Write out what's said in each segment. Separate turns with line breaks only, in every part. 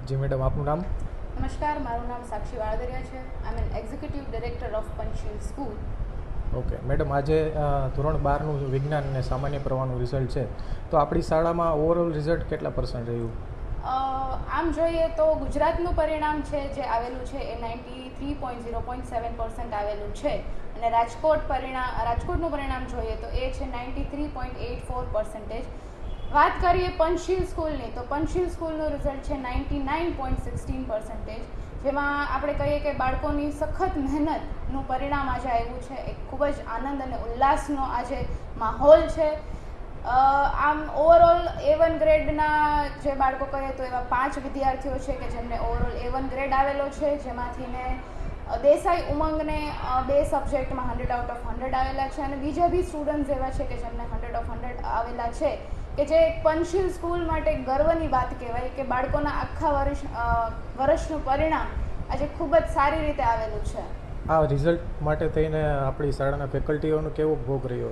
જી madam, આપનું નામ?
નમસ્કાર, મારું નામ સાક્ષી વાળદરિયા છે. I am executive director of Panchsheel school.
Okay madam, આજે ધોરણ 12નું વિજ્ઞાન અને સામાન્ય પ્રવાહનું રિઝલ્ટ છે, તો આપણી શાળામાં ઓવરઓલ રિઝલ્ટ કેટલા પર્સન્ટ રહ્યું?
આમ જોઈએ તો ગુજરાતનું પરિણામ છે જે આવેલું છે એ 93.0.7% આવેલું છે, અને રાજકોટનું પરિણામ જોઈએ તો એ છે 93.84%. વાત કરીએ પંચશીલ સ્કૂલની, તો પંચશીલ સ્કૂલનું રિઝલ્ટ છે 99.16%, જેમાં આપણે કહીએ કે બાળકોની સખત મહેનતનું પરિણામ આજે આવ્યું છે. એક ખૂબ જ આનંદ અને ઉલ્લાસનો આજે માહોલ છે. આમ ઓવરઓલ A1 ગ્રેડના જે બાળકો કહીએ તો એવા 5 વિદ્યાર્થીઓ છે કે જેમને ઓવરઓલ A1 ગ્રેડ આવેલો છે, જેમાંથીને દેસાઈ ઉમંગને 2 સબ્જેક્ટમાં 100 આઉટ ઓફ 100 આવેલા છે, અને બીજા બી સ્ટુડન્ટ્સ એવા છે કે જેમને 100 ઓફ 100 આવેલા છે, કે જે પંચશીલ સ્કૂલ માટે ગર્વની વાત કહેવાય કે બાળકોના આખા વર્ષનું પરિણામ આજે ખૂબ જ સારી રીતે આવેલું છે.
આ રિઝલ્ટ માટે થઈને આપણી શાળાના ફેકલ્ટીઓનો કેવો ભોગ રહ્યો?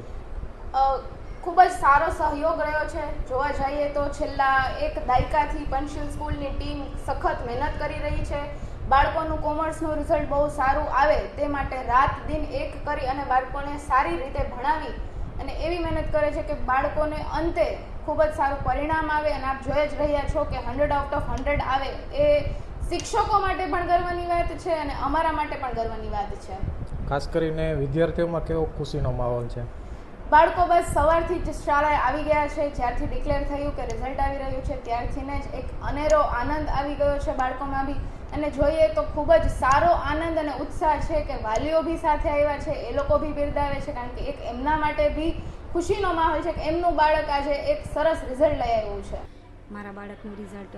ખૂબ જ સારો સહયોગ રહ્યો છે. જોવા જઈએ તો છેલ્લા 1 દાયકાથી પંચશીલ સ્કૂલની ટીમ સખત મહેનત કરી રહી છે. બાળકોનું કોમર્સનું રિઝલ્ટ બહુ સારું આવે તે માટે રાત દિન એક કરી અને બાળકોને સારી રીતે ભણાવી અને એવી મહેનત કરે છે કે બાળકોને અંતે ખૂબ જ સારું પરિણામ આવે. અને આપ જોઈ જ રહ્યા છો કે 100 આઉટ ઓફ 100 આવે એ શિક્ષકો માટે પણ ગર્વની વાત છે અને અમારા માટે પણ ગર્વની વાત છે.
ખાસ કરીને વિદ્યાર્થીઓમાં કેવો ખુશીનો માહોલ છે?
બાળકો બસ સવારથી જ શાળાએ આવી ગયા છે. જ્યારથી ડિક્લેર થયું કે રિઝલ્ટ આવી રહ્યું છે ત્યારથીને જ એક અનેરો આનંદ આવી ગયો છે બાળકોમાં બી. અને જોઈએ તો ખૂબ જ સારો આનંદ અને ઉત્સાહ છે કે વાલીઓ બી સાથે આવ્યા છે, એ લોકો બી બિરદાવે છે, કારણ કે એક એમના માટે બી ખુશીનો માહોલ છે કે એમનું બાળક આજે એક સરસ રિઝલ્ટ લઈ આવ્યું છે.
મારા બાળકનું રિઝલ્ટ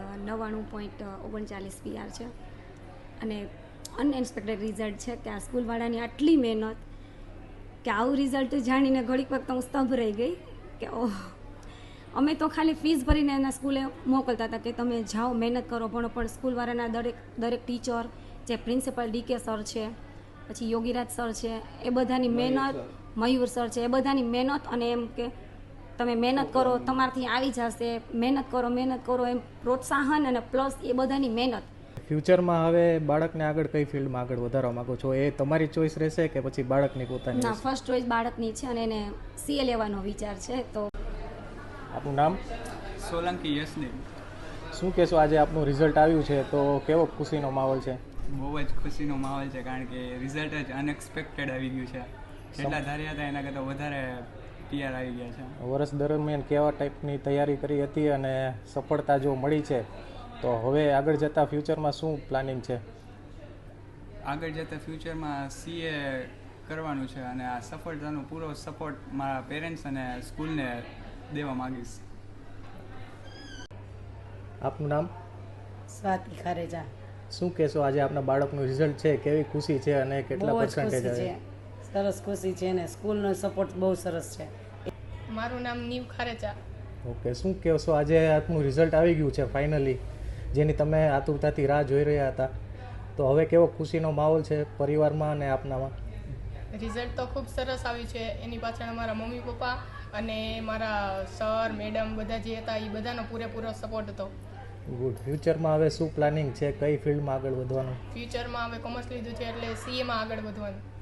99.39 PR છે, અને અનએક્સપેક્ટેડ રિઝલ્ટ છે કે આ સ્કૂલવાળાની આટલી મહેનત, કે આવું રિઝલ્ટ જાણીને ઘડીક વખત હું સ્તંભ રહી ગઈ કે ઓહ, અમે તો ખાલી ફીસ ભરીને એના સ્કૂલે મોકલતા હતા કે તમે જાઓ મહેનત કરો ભણો, પણ સ્કૂલવાળાના દરેક ટીચર, જે પ્રિન્સિપલ DK સર છે, પછી યોગીરાજ સર છે, એ બધાની મહેનત, મયુર સર છે, એ બધાની મહેનત, અને એમ કે તમે મહેનત કરો તમારાથી આવી જશે, મહેનત કરો એમ પ્રોત્સાહન, અને પ્લસ એ બધાની મહેનત.
ફ્યુચરમાં હવે બાળકને આગળ કઈ ફિલ્ડમાં આગળ વધારવા માંગો છો? એ તમારી ચોઈસ રહેશે કે પછી બાળકની પોતાની?
ના, ફર્સ્ટ ચોઈસ બાળકની છે અને એને CA લેવાનો વિચાર છે. તો
આપનું નામ?
સોલંકી યશદેવ.
શું કહેશો, આજે આપનું રિઝલ્ટ આવ્યું છે તો કેવો ખુશીનો માહોલ છે?
બહુ જ ખુશીનો માહોલ છે, કારણ કે રિઝલ્ટ જ અનએક્સપેક્ટેડ આવી ગયું છે. જેટલા ધાર્યા હતા એના કરતાં વધારે PR આવી ગયા છે.
વર્ષ દરમિયાન કેવા ટાઈપની તૈયારી કરી હતી અને સફળતા જો મળી છે, તો હવે આગળ જતાં ફ્યુચરમાં શું પ્લાનિંગ છે?
આગળ જતાં ફ્યુચરમાં CA કરવાનું છે, અને આ સફળતાનો પૂરો સપોર્ટ મારા પેરેન્ટ્સ અને સ્કૂલને દેવા માગીશ.
આપનું નામ?
સ્વાતિ ખારેજા.
શું કહેશો, આજે આપના બાળકનું રિઝલ્ટ છે, કેવી ખુશી છે અને કેટલા પર્સન્ટેજ આવે?
સરસ ખુશી છે ને સ્કૂલનો સપોર્ટ બહુ સરસ છે.
મારું નામ નીવ ખારેચા.
ઓકે, શું કહેશો, આજે આપનું રિઝલ્ટ આવી ગયું છે ફાઇનલી, જેની તમે આતુરતાથી રાહ જોઈ રહ્યા હતા, તો હવે કેવો ખુશીનો માહોલ છે પરિવારમાં અને આપનામાં?
રિઝલ્ટ તો ખૂબ સરસ આવ્યું છે. એની પાછળ મારા મમ્મી પપ્પા અને મારા સર મેડમ બધા જે હતા એ બધાનો પૂરેપૂરો સપોર્ટ હતો.
ગુડ. ફ્યુચરમાં હવે શું પ્લાનિંગ છે, કઈ ફિલ્ડમાં આગળ વધવાનું?
ફ્યુચરમાં હવે કોમર્સ લીધું છે એટલે CA માં આગળ વધવાનું.